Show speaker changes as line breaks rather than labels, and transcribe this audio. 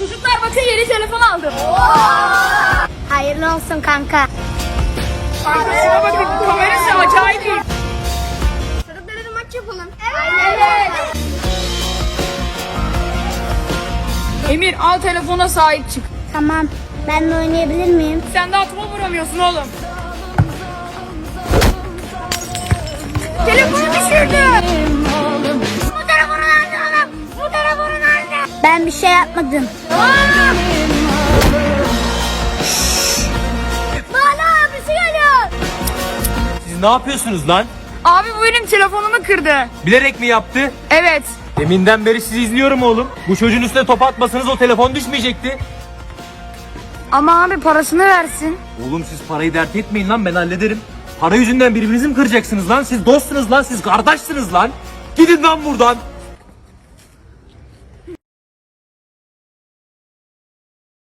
Çocuklar bakın yeni telefon aldım.
Hayırlı olsun kanka.
Arkasına bakın kamerası acayip iyi.
Çocuklara da maç yapalım.
Evet. Emir al telefona sahip çık.
Tamam. Ben de oynayabilir miyim?
Sen daha topa vuramıyorsun oğlum. Telefonu düşürdü.
Bu telefonu nerede oğlum? Bu telefonu nerede? Ben bir şey yapmadım. Bana abisi geliyor.
Siz ne yapıyorsunuz lan?
Abi bu benim telefonumu kırdı.
Bilerek mi yaptı?
Evet.
Deminden beri sizi izliyorum oğlum. Bu çocuğun üstüne top atmasanız o telefon düşmeyecekti.
Ama abi parasını versin.
Oğlum siz parayı dert etmeyin lan, ben hallederim. Para yüzünden birbirinizi mi kıracaksınız lan? Siz dostsunuz lan, siz kardeşsiniz lan. Gidin lan buradan.